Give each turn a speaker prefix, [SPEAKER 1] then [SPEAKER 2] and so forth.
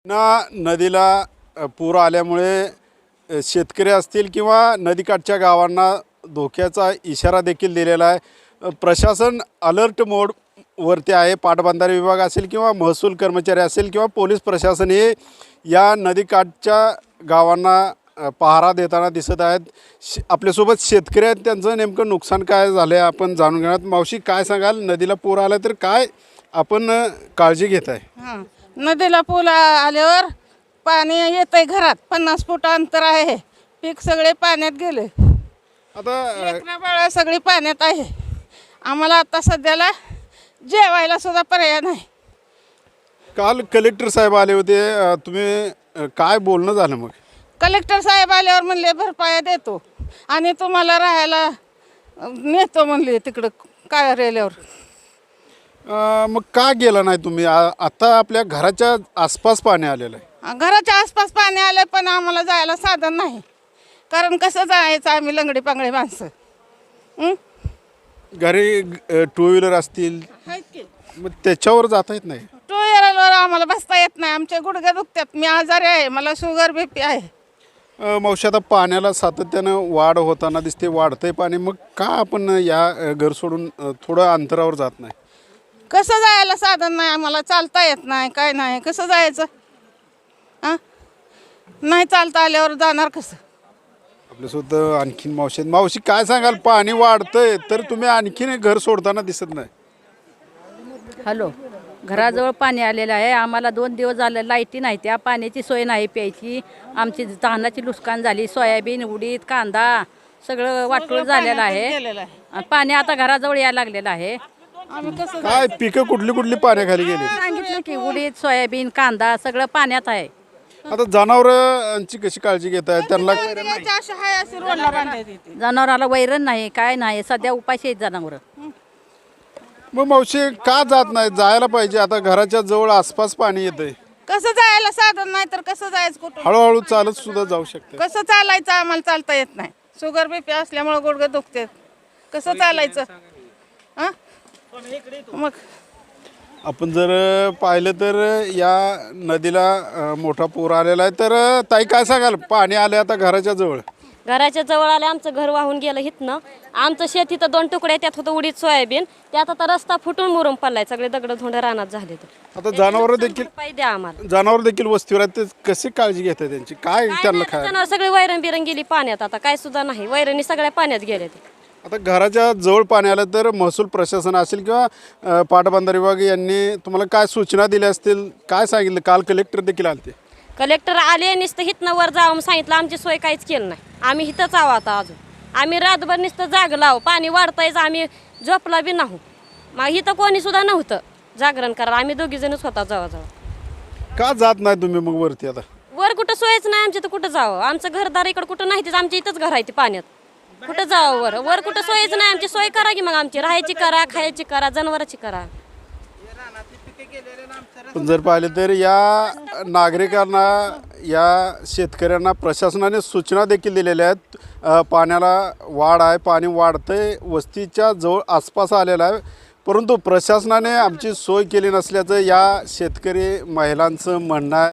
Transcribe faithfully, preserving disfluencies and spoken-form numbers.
[SPEAKER 1] ना नदीला अ, पूर आल्यामुळे अ, शेतकरी असतील किंवा नदीकाठच्या गावांना धोक्याचा इशारा देखील दिलेला आहे. अ, प्रशासन अलर्ट मोड वरती आहे. पाटबंधारे विभाग असेल किंवा महसूल कर्मचारी असेल किंवा पोलीस प्रशासन हे या नदीकाठच्या गावांना अ, पहारा देताना दिसत आहेत. श आपल्यासोबत शेतकरी आहेत, त्यांचं नेमकं नुकसान काय झालं आहे आपण जाणून घेणार. मावशी काय सांगाल, नदीला पूर आला तर काय आपण अ, काळजी घेत आहे?
[SPEAKER 2] हां, नदीला पूल आ- आल्यावर पाणी येतंय घरात. पन्नास फूट अंतर आहे. पीक सगळे पाण्यात गेले.
[SPEAKER 1] आता अ,
[SPEAKER 2] लेकरं बाळं सगळी पाण्यात आहे. आम्हाला आता सध्याला जेवायला सुद्धा पर्याय नाही.
[SPEAKER 1] काल कलेक्टर साहेब आले होते. अ, तुम्ही अ, काय बोलणं झालं मग?
[SPEAKER 2] कलेक्टर साहेब आल्यावर म्हणले भरपाया देतो आणि तुम्हाला राहायला अ, नेतो म्हणले तिकडं कार्यालयावर.
[SPEAKER 1] अ, मग का गेला नाही तुम्ही? आ- आता आपल्या घराच्या आसपास पाणी आलेलं आहे.
[SPEAKER 2] घराच्या आसपास पाणी आलं पण आम्हाला जायला साधन नाही. कारण कसं जायचं आम्ही लंगडी पांगडी माणसं. हं?
[SPEAKER 1] घरी टू व्हीलर असतील
[SPEAKER 2] आहेत की
[SPEAKER 1] मग त्याच्यावर जाता येत नाही.
[SPEAKER 2] टू व्हीलरवर आम्हाला बसता येत नाही. आमचे गुडघे दुखतात. मी आजारी आहे. मला शुगर बीपी आहे.
[SPEAKER 1] अ, मावशी आता पाण्याला सातत्यानं वाढ होताना दिसते, वाढतंय पाणी. मग का आपण या अ, घर सोडून अ, थोडं अंतरावर जात नाही?
[SPEAKER 2] कसं जायला साधन नाही आम्हाला. चालता येत नाही काय नाही. कसं जायचं? हां, नाही चालता आल्यावर जाणार कसं?
[SPEAKER 1] आपल्यासोबत आणखीन मावशी आहेत. मावशी काय सांगाल, पाणी वाढतंय तर तुम्ही आणखीन एक घर सोडताना दिसत नाही?
[SPEAKER 3] हॅलो, घराजवळ पाणी आलेलं आहे. आम्हाला दोन दिवस झाले लाईटी नाही, त्या पाण्याची सोय नाही प्यायची. आमची धानाची नुकसान झाली. सोयाबीन, उडीद, कांदा सगळं वाटोळ झालेलं आहे.
[SPEAKER 2] गेलेलं आहे.
[SPEAKER 3] आणि पाणी आता घराजवळ यायला लागलेलं आहे.
[SPEAKER 2] आम्ही कसं
[SPEAKER 1] काय पिकं कुठली कुठली पाण्याखाली गेली?
[SPEAKER 3] सांगितलं की उडीद, सोयाबीन, कांदा सगळं पाण्यात आहे.
[SPEAKER 1] आता जनावरांची कशी काळजी घेत आहे? त्यांना
[SPEAKER 2] जायचं अशी हाय अशी रोडला बांधायची ती.
[SPEAKER 3] जनावराला वैरण नाही, काय नाही. सध्या उपाशी आहेत जनावरं.
[SPEAKER 1] मग मावशी का जात नाही? जायला पाहिजे. आता घराच्या जवळ आसपास पाणी येतंय.
[SPEAKER 2] कसं जायला साधन नाही तर कसं जायचं कुठं?
[SPEAKER 1] हळूहळू चालत सुद्धा जाऊ शकते.
[SPEAKER 2] कसं चालायचं आम्हाला चालता येत नाही. शुगर बीपी असल्यामुळे गुडघे दुखते. कसं चालायचं? हां, मग
[SPEAKER 1] आपण जर पाहिलं तर या नदीला अ, मोठा पूर आलेला आहे. तर अ, ताई काय सांगाल, पाणी आले आता घराच्या जवळ?
[SPEAKER 4] घराच्या जवळ आले, आमचं घर वाहून गेलं इथनं. आमचं शेत इथं दोन तुकडे, त्यात होतं उडीद सोयाबीन. त्यात आता रस्ता फुटून मुरुम पडलाय. सगळे दगड धोंड रानात झाले.
[SPEAKER 1] आता जनावर देखील
[SPEAKER 4] पाहिजे द्या आम्हाला.
[SPEAKER 1] जनावर देखील वस्तीवर आहेत, ते कशी काळजी घेतात त्यांची? काय त्यांना खाय?
[SPEAKER 4] जनावर सगळे वैरण बिरण गेली पाण्यात. आता काय सुद्धा नाही. वैरणी सगळ्या पाण्यात गेल्या ते.
[SPEAKER 1] आता घराच्या जवळ पाणी आलं तर महसूल प्रशासन असेल किंवा अ, पाटबंधारे विभाग यांनी तुम्हाला काय सूचना दिल्या असतील? काय सांगितलं? काल कलेक्टर देखील आले.
[SPEAKER 4] कलेक्टर आले, नुसतं हिथनं वर जावं म्हणून सांगितलं. आमची सोय काहीच केलं नाही. आम्ही हिथंच आहो आता अजून. आम्ही रातभर नुसतं जागलो आहो. पाणी वाढतायच आम्ही झोपला बी नाहू. मग इथं कोणी सुद्धा नव्हतं जागरण करा. आम्ही दोघी जणच होता जवळजवळ.
[SPEAKER 1] का जात नाही तुम्ही मग वरती? आता
[SPEAKER 4] वर कुठं सोयच नाही आमच्या, तर कुठं जावं? आमचं घरदार इकडं कुठं नाही. तिथं आमच्या इथंच घर आहे ते पाण्यात. कुठं जावं वर? वर कुठं सोयच नाही आमची. सोय करा की मग आमची. राहायची करा, खायची करा, जनावरांची करा.
[SPEAKER 1] पण जर पाहिलं तर या नागरिकांना, या शेतकऱ्यांना प्रशासनाने सूचना देखील दिलेल्या आहेत. अ, पाण्याला वाढ आहे, पाणी वाढतंय, वस्तीच्या जवळ आसपास आलेलं आहे. परंतु प्रशासनाने आमची सोय केली नसल्याचं या शेतकरी महिलांचं म्हणणं आहे.